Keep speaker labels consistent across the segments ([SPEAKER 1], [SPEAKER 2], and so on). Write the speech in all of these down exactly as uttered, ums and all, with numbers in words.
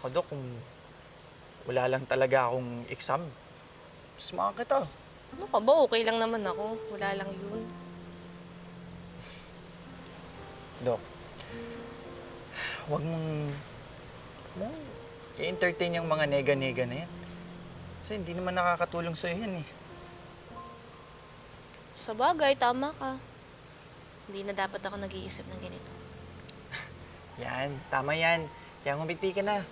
[SPEAKER 1] Ako, Dok, kung wala lang talaga akong exam, samahan kita.
[SPEAKER 2] Ano ka ba? Okay lang naman ako. Wala lang yun.
[SPEAKER 1] Dok, huwag mong, mong i-entertain yung mga nega-nega na yan. Kasi hindi naman nakakatulong sa'yo yan eh.
[SPEAKER 2] Sa bagay, tama ka. Hindi na dapat ako nag-iisip ng ganito.
[SPEAKER 1] Yan, tama yan. Kaya ngumiti ka na.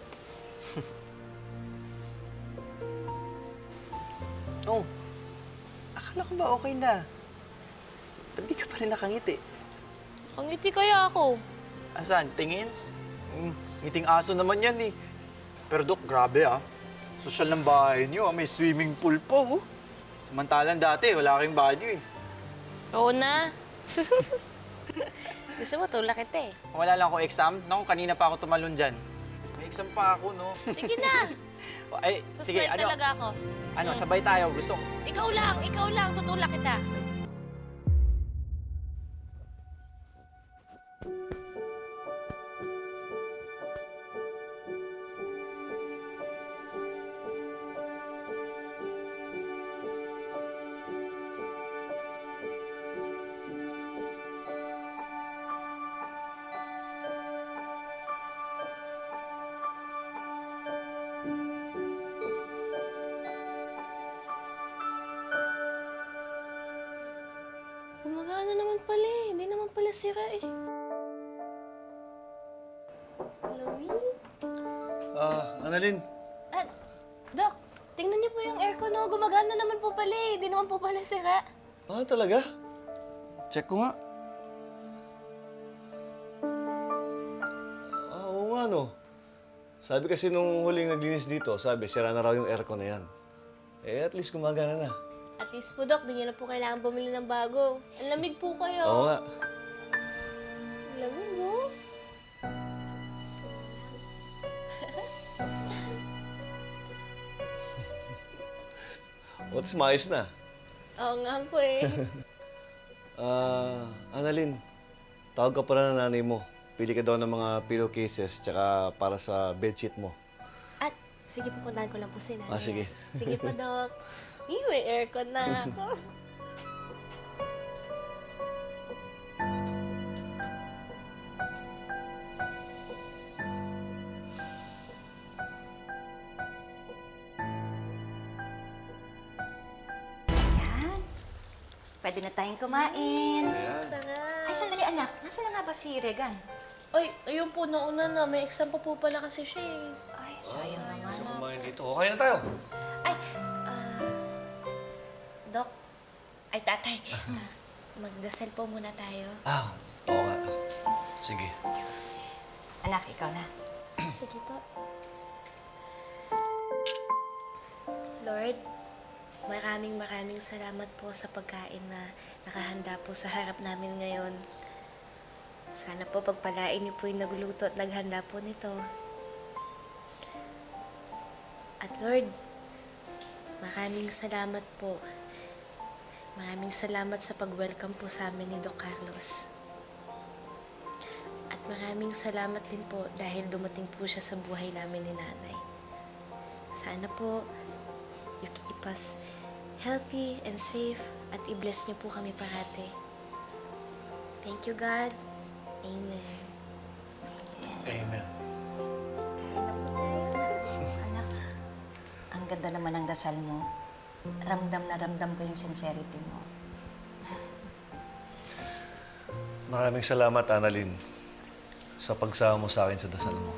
[SPEAKER 1] Oh, akala ko ba okay na? Ba't di ka pa rin nakangiti?
[SPEAKER 2] Kangiti kaya ako.
[SPEAKER 1] Asan? Tingin? Mm, ngiting aso naman yan eh. Pero Dok, grabe ah. Sosyal ng bahay niyo ah. May swimming pool pa oh. Samantalang dati, wala kayong banyo eh.
[SPEAKER 2] Oo na. Gusto mo, tulak kita eh.
[SPEAKER 1] Wala lang ako exam. Naku, kanina pa ako tumalon dyan. May exam pa ako, no?
[SPEAKER 2] Sige na.
[SPEAKER 1] Ay, sige,
[SPEAKER 2] Suspend
[SPEAKER 1] ano?
[SPEAKER 2] talaga ako.
[SPEAKER 1] Ano,
[SPEAKER 2] Mm.
[SPEAKER 1] sabay tayo. Gusto ko.
[SPEAKER 2] Ikaw lang, ikaw lang. Tutulak kita. Gumagana naman pala eh. Hindi naman pala sira eh. Lamig.
[SPEAKER 3] Ah, Annalyn.
[SPEAKER 2] Ah, Doc, tingnan niyo po yung aircon, no? Gumagana naman po pala eh. Hindi naman po pala sira.
[SPEAKER 3] Ah, talaga? Check ko nga. Ah, oo nga, no. Sabi kasi nung huling naglinis dito, sabi, sira na raw yung aircon na yan. Eh, at least gumagana na.
[SPEAKER 2] At least po, Doc, di niyo na po kailangan bumili ng bago. Ang lamig po kayo.
[SPEAKER 3] Oo nga.
[SPEAKER 2] Ang lamig, no?
[SPEAKER 3] At least maayos na.
[SPEAKER 2] Oo nga po eh.
[SPEAKER 3] Ah, Annalyn, tawag ka pala ng nanay mo. Pili ka daw ng mga pillowcases tsaka para sa bedsheet mo.
[SPEAKER 2] At, sige po, puntahan ko lang po si nanay.
[SPEAKER 3] Ah, sige.
[SPEAKER 2] Sige po, Doc. Eh, may aircon na ako.
[SPEAKER 4] Yan. Pwede na tayong kumain.
[SPEAKER 2] Sarap.
[SPEAKER 4] Ay, sandali anak. Nasaan na nga ba si Regan?
[SPEAKER 2] Ay, ayun po, nauna na. May exam pa po pala kasi siya eh.
[SPEAKER 4] Ay, sayang naman.
[SPEAKER 3] Gusto kumain dito. O, kaya na tayo.
[SPEAKER 2] Ay, ah... Doc. Ay, tatay. Ah, magdasal po muna tayo.
[SPEAKER 3] Ah, oo nga. Sige.
[SPEAKER 4] Anak, ikaw na.
[SPEAKER 2] Sige po. Lord, maraming maraming salamat po sa pagkain na nakahanda po sa harap namin ngayon. Sana po pagpalain niyo po yung nagluto at naghanda po nito. At Lord, maraming salamat po. Maraming salamat sa pag-welcome po sa amin ni Doc Carlos. At maraming salamat din po dahil dumating po siya sa buhay namin ni Nanay. Sana po, you keep us healthy and safe at i-bless niyo po kami parati. Thank you, God. Amen.
[SPEAKER 3] Amen.
[SPEAKER 4] Anak, ang ganda naman ng dasal mo. Ramdam na ramdam ko yung sincerity mo.
[SPEAKER 3] Maraming salamat, Annalyn, sa pagsama mo sa akin sa dasal mo.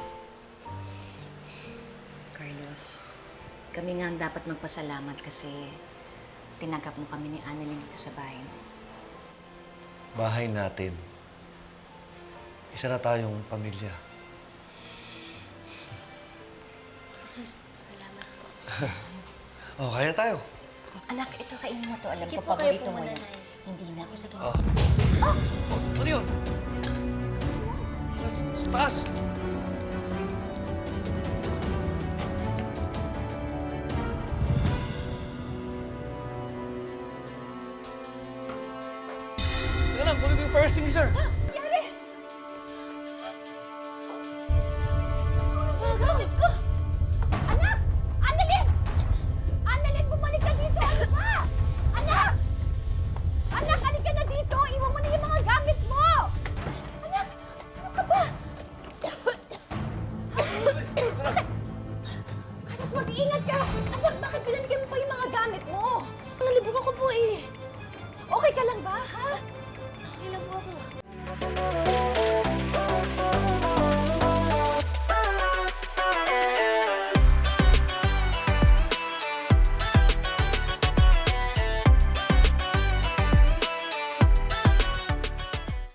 [SPEAKER 4] Carlos, kami nga ang dapat magpasalamat kasi tinanggap mo kami ni Annalyn dito sa bahay mo.
[SPEAKER 3] Bahay natin. Isa na tayong pamilya.
[SPEAKER 2] Salamat po.
[SPEAKER 3] Oh, kaya na tayo.
[SPEAKER 4] Anak, ito kainin mo to. Alam
[SPEAKER 2] Sige
[SPEAKER 4] ko,
[SPEAKER 2] po, kayo
[SPEAKER 4] paborito
[SPEAKER 2] po
[SPEAKER 4] mo
[SPEAKER 2] muna,
[SPEAKER 4] yan.
[SPEAKER 2] Nay.
[SPEAKER 4] Hindi na ako. Sige.
[SPEAKER 3] Oh. Oh, ano yun? Sa, sa taas! Teka lang, kunin ko yung fire extinguisher.
[SPEAKER 2] Gagamit
[SPEAKER 5] Nalibro ko po eh. Okay ka lang ba, ha?
[SPEAKER 2] Okay lang po ako.